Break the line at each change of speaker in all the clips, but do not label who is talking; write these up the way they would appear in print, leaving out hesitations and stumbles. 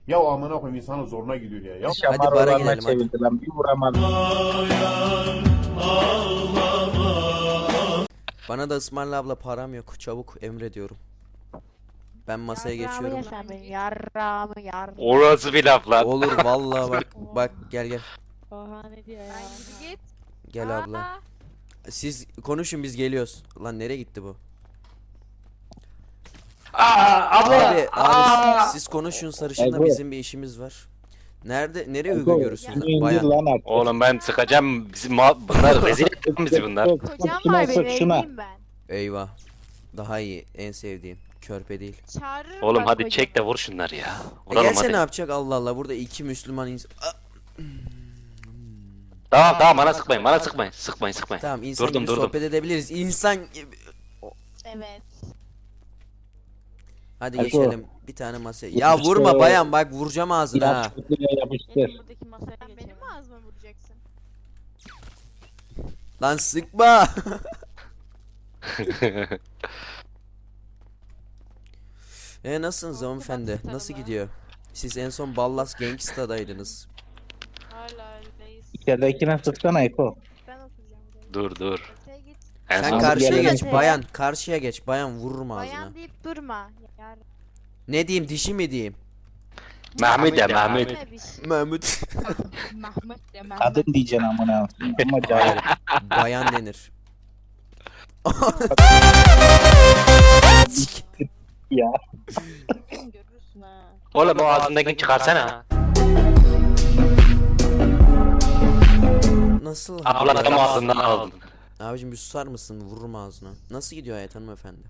Ya amına koyayım insanın zoruna gidiyor ya.
Hadi
Şamar
bara
olanlar
gidelim hadi.
çevirdi lan. Bir vuramadım.
Bana da ısmarla abla, param yok. Çabuk emrediyorum. Ben masaya geçiyorum.
Yarrağımı.
Orası bir laf lan.
Olur vallahi bak. Bak gel.
Oha ne diyor ya?
Git.
Gel abla. Siz konuşun biz geliyoruz. Lan nereye gitti bu? Abi siz konuşun sarışınla,
Ego.
bizim bir işimiz var. Nereye
Ego,
uygun görürsünüz
indir
bayan?
lan artık.
Oğlum ben sıkacağım. Bunlar rezil ettin bizi bunlar.
Kocam
Şuna
var
sık,
benim
şuna.
evliyim ben.
Eyvah. Daha iyi, en sevdiğim. Körpe değil.
Çağırırım
Oğlum
bak
hadi
kocamı.
çek de vur şunları ya. Vuralım
Gelse
hadi.
ne yapacak Allah Allah, burada iki Müslüman insan.
Tamam bana sıkmayın bana sıkmayın. Sıkmayın.
Tamam, insan
Durdum,
gibi
durdum.
sohbet edebiliriz. İnsan gibi.
Evet.
Hadi
Ego.
geçelim bir tane masaya.
Bu
Ya
işte-
vurma bayan, bak vuracağım ağzına ha.
Ya çöplüğe yapıştır.
Benim buradaki masaya
Sen benim
geçelim.
mi ağzıma vuracaksın?
Lan sıkma. Nasılsınız hanımefendi? Nasıl gidiyor? Siz en son Ballas Gangsta'daydınız.
Hala öyleyiz.
İçeridekine sıksana Eko.
Ben oturacağım buraya.
dur.
Öteye git.
En
Sen
son
karşıya
gelelim.
geç bayan. Karşıya geç bayan, vururum ağzına.
Bayan deyip durma. Yar.
Ne diyeyim, dişi mi diyeyim?
Mahmut ya Mahmut.
Ne bir şey.
Mahmut.
Mahmut de Mahmut.
Kadın diyeceksin amına. Ama cahil.
Bayan denir.
Ya.
Görürsün ha.
Oğlum o ağzındakini çıkarsana.
Nasıl?
Abla adam ağzından aldın.
Abicim bir susar mısın? Vururum ağzına. Nasıl gidiyor hayat hanımefendi?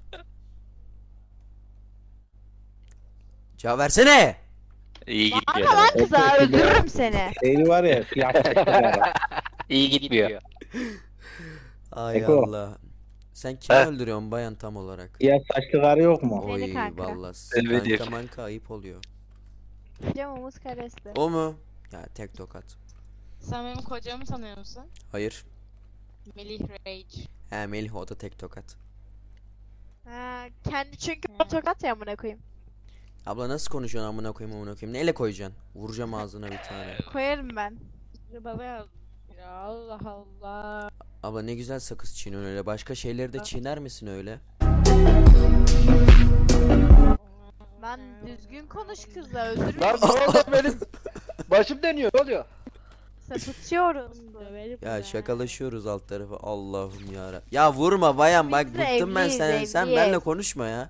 Cevap versene.
İyi
Bana
gitmiyor.
lan kıza öldürürüm seni.
Şeyli var ya. Siyah saçlı var.
İyi gitmiyor.
Ay
Eko.
Allah. Sen kimi
Heh.
öldürüyorsun bayan tam olarak?
Siyah saçlı karı yok mu?
Seni
Oy
kanka.
vallahi
Elbette.
kanka manka ayıp oluyor.
Camımız karesi.
O mu? Ya tek tokat.
Sen benim kocamı tanıyor musun?
Hayır.
Melih Rage.
He Melih, o da tek tokat.
Ha, kendi çünkü o tokat ya amına koyayım.
Abla nasıl konuşuyorsun amına koyayım? Neyle koyacaksın? Vuracağım ağzına bir tane.
Koyarım ben.
Baba ya. Ya Allah Allah.
Abla ne güzel sakız çiğniyorsun öyle. Başka şeyleri de çiğner misin öyle?
Lan düzgün konuş kızla öldürürüm.
Lan ne oldu benim? Başım dönüyor. Ne oluyor?
Sapıtıyoruz.
Döverim
Ya
ben.
şakalaşıyoruz alt tarafı. Allah'ım ya. Ya vurma bayan, bak
Biz de
bıktım ben
evliyiz,
senden. Sen
evliyiz.
benimle konuşma ya.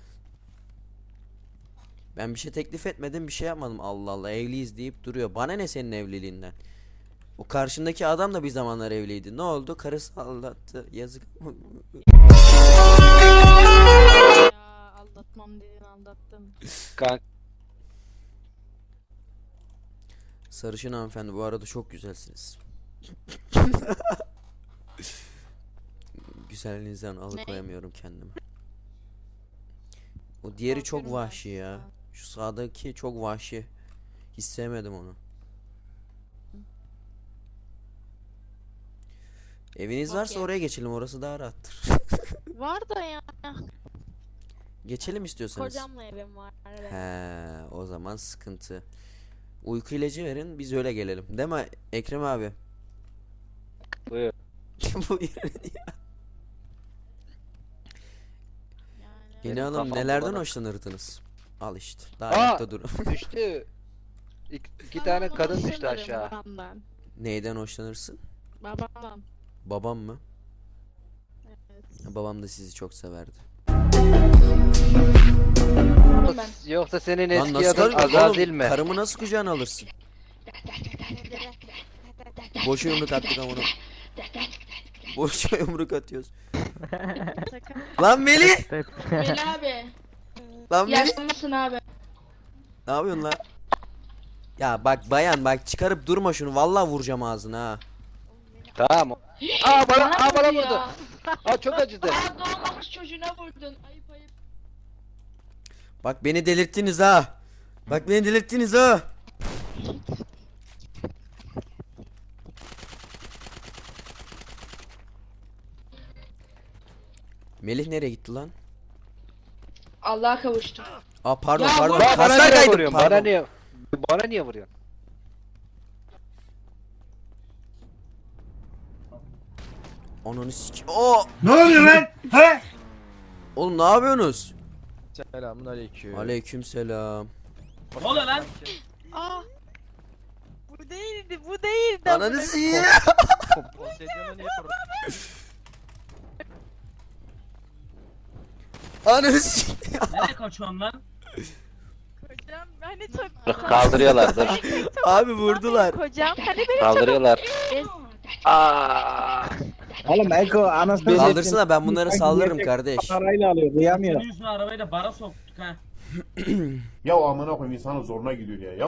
Ben bir şey teklif etmedim, bir şey yapmadım. Allah Allah, evliyiz deyip duruyor. Bana ne senin evliliğinden? O karşındaki adam da bir zamanlar evliydi. Ne oldu? Karısı aldattı. Yazık.
Ya aldatmam dedin aldattın.
Kanka
Sarışın hanımefendi, bu arada çok güzelsiniz. Güzelliğinizden alıkoyamıyorum kendimi. O diğeri çok
Korkuyorum ben
vahşi ya.
sizden.
Şu sağdaki çok vahşi. Hiç sevmedim onu. Eviniz varsa
Okey.
oraya geçelim, orası daha rahattır.
Var da ya.
Geçelim istiyorsanız.
Kocamla evim var. Evet.
He, o zaman sıkıntı. Uyku ilacı verin, biz öyle gelelim. Değil mi Ekrem abi?
buyur.
Buyurun.
Yani
Yeni
Benim
hanım,
kafam
nelerden
bulanık.
hoşlanırdınız? Al işte. Daha
Aa!
ayakta durun.
Düştü. İki
Ben
tane
ondan
kadın düştü
hoşlanırım,
aşağı.
babamdan.
Neyden hoşlanırsın?
Babamdan.
Babam mı?
Evet.
Babam da sizi çok severdi.
Yoksa senin
Lan
eski
nasıl
adın
karı-
Azazil
oğlum,
mi?
karımı nasıl kucağına alırsın? Boşa yumruk attık ama onu. Boşa yumruk atıyoruz. Lan Melih!
Melih abi.
Lan Melih!
Yaşlanmışsın abi.
Ne yapıyorsun lan? Ya bak bayan, bak çıkarıp durma şunu. Vallahi vuracağım ağzına ha.
Tamam. Bana
vurdu
vurdu.
ya.
Çok acıdı.
Aa, doğmamış çocuğuna vurdun. Ayıp ayıp.
Bak beni delirttiniz ha. Bak beni delirttiniz ha. Melih nereye gitti lan?
Allah'a kavuştum.
Aa pardon
Ya
pardon.
vurma,
Bana
Kaslar
niye
kaydım.
vuruyorsun?
Pardon.
Bana niye vuruyorsun?
Ananı sik. Oo!
Ne oluyor lan? He?
Oğlum ne yapıyorsunuz?
Selamun aleyküm.
Aleykümselam.
Ne oluyor lan?
Aa. Bu değildi, bu değildi.
Ananı sikeyim.
Poseidon'a niye
Ananı sikeyim.
Nereye kaçıyorsun lan?
Kocam hani çok...
Kaldırıyorlar dur.
Abi vurdular.
Kocam hani beni
Kaldırıyorlar.
Oğlum Eko anasını
Kaldırsana, ben bunları saldırırım kardeş.
Parayla alıyor kıyamıyor.
Senin yüzüne arabayı da bara soktuk ha.
Ya amına koyayım insanın zoruna gidiyor ya.